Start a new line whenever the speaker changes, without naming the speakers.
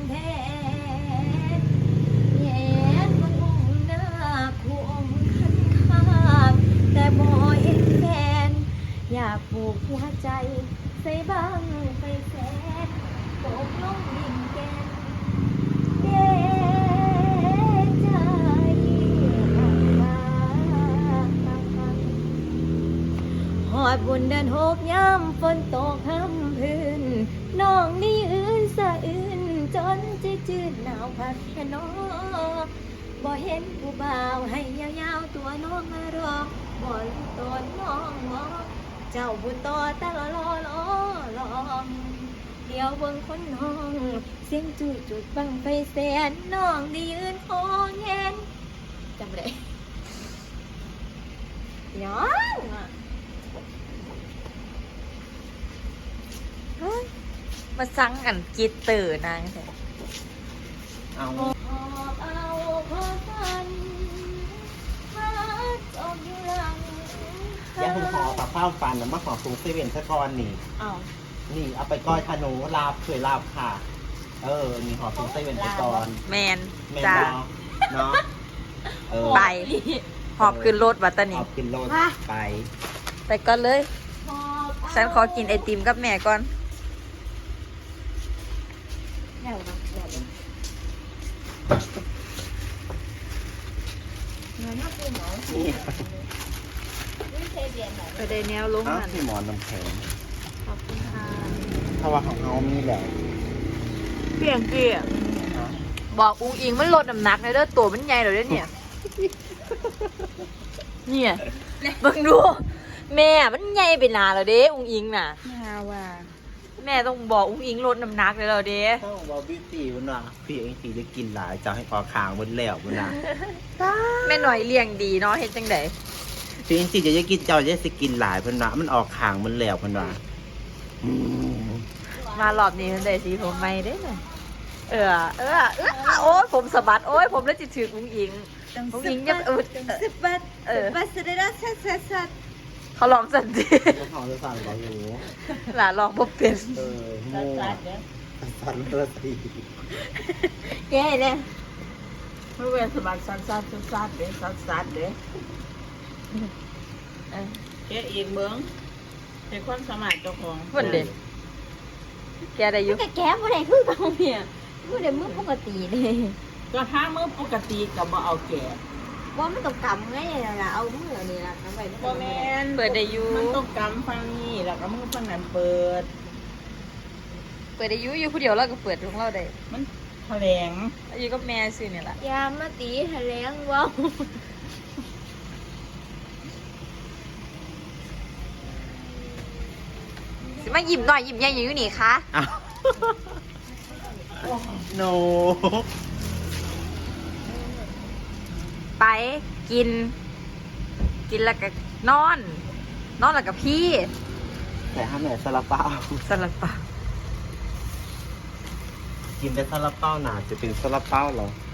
แท้แย่มันมุ่งหน้าคู่องค์คันคากแต่บ่เห็นแฟนอยากปลูกหัวใจใส่บ้างไปแสนตกลงดินแกนเด้ใจหอดบุญเดินหกย้ำฝนตกห้ำพื้นน้องนี่อื่นสะอื่นจนจะจืดหนาวพัดแค่นอบ่เห็นผู้บ่าวให้ยาวๆตัวน้องมารอบ่รู้ตนน้องงอเจ้าบุญต่อตะลองเดี๋ยวเบิ่งคนห้องเสียงจุดบังไฟแสนน้องได้ยืนคอแงนจำได้ย้อนอ่ะ
มาสั่งกันกีเตอร์นางใช่
เอา
เอาพอฟันพัดออกอยู่หลัง
อย่าเพิ่งขอปลาข้าวฟันนะมาขอปรุงเซเว่นซะก่อนนี่
เอา
นี่เอาไปก้อยขนูลาบเคยลาบค่ะ นี่ขอปรุงเซเว่นซะก่อน
แมน
แม่น
จ้า
เนาะเออ
ไป หอบขึ้นรถวัตตานี
เอากินโลดไป
ไปก่อนเลย
พอ
ฉันขอกินไอติมกับแม่ก่อน
เดี๋ยวนะเดี๋ยวนะเงินน่าเป็นหมอ
นี่
ไม่เคยเรียนไหน
ไปได้แนวลง
อ้าว
นั่น
พี่หมอนน้ำแข็ง
ขอบคุณค่ะ
ถ้าว่าของเขามีแหละ
เปลี่ยนเกลี่ยบอกอุ้งอิงมันลดน้ำหนักเลยเด้อตัวมันใหญ่เลยเด้อเนี่ย เนี่ยเบิ่งดู แม่มันใหญ่ไปหนาแล้วเด้อุ้งอิงน่ะ
นาว่า
แม่ต้องบอกอุ้งอิงลดน้ำหนักเลยแล้วเด้
ถ้าบอกบิวตี้มันว่าพี่เองตีจะกินหลายจะให้ออกขางบนแล้วมันนะ
แม่หน่อยเลี้ยงดีเนาะเฮ็ดจังได
พี่เองตีจะกินเจ้าจะสิกินหลายเพิ่นว่ามันออกขางมันแล้วเพิ่นว่าอืม
มารอบนี้เพิ่นได้สีผมใหม่เด้น่ะโอ้ยผมสะบัดโอ้ยผมแล้วจิถืออุ้งอิงอุ้งอิงจะ
10 บาทบาทเสด็จสัด
เขาลองสันติ
เขาจะสั่งเราอยู่
หลานลองบ่เป็น
โม่สั่นเลือดสี
แก่เลย
เมื่อเวลาสมัครสั้นเด้สั้นเด้แกอีกเมืองเป็นคนสมัครเจ้าของ
เพิ่นเด้แกได้อยู่
แก่บ่ได้คือเก่าเนี่ยบ่ได้มือปกติเลย
ก็ถ้าเมื่อปกติก็บ่เอาแก่
ว่ามันกับกำไงล่ะเอามือนี่ล่ะทำไม
บ่แม่น
เปิดได้อยู่
มันต้องกำฟังนี่แล้วก็มึงฟังนั้นเปิด
เปิดได้อยู่ผู้เดียวเราก็เปิดของเราได้
มันแถลง
อยู่กับแม่ซื่อนี่ล่ะ
ยามาตีแถลงว้าว
สิมายิ้มหน่อยยิ้มใหญ่อยู่นี่คะ
อ้าวโน
ไปกินแล้วก็นอนแล้วก็พี่
แต่ห้ามแม่ซาลาเปา
สลับปะ
กินแต่ซาลาเปาหนาจะเป็นซาลาเปาเหรอ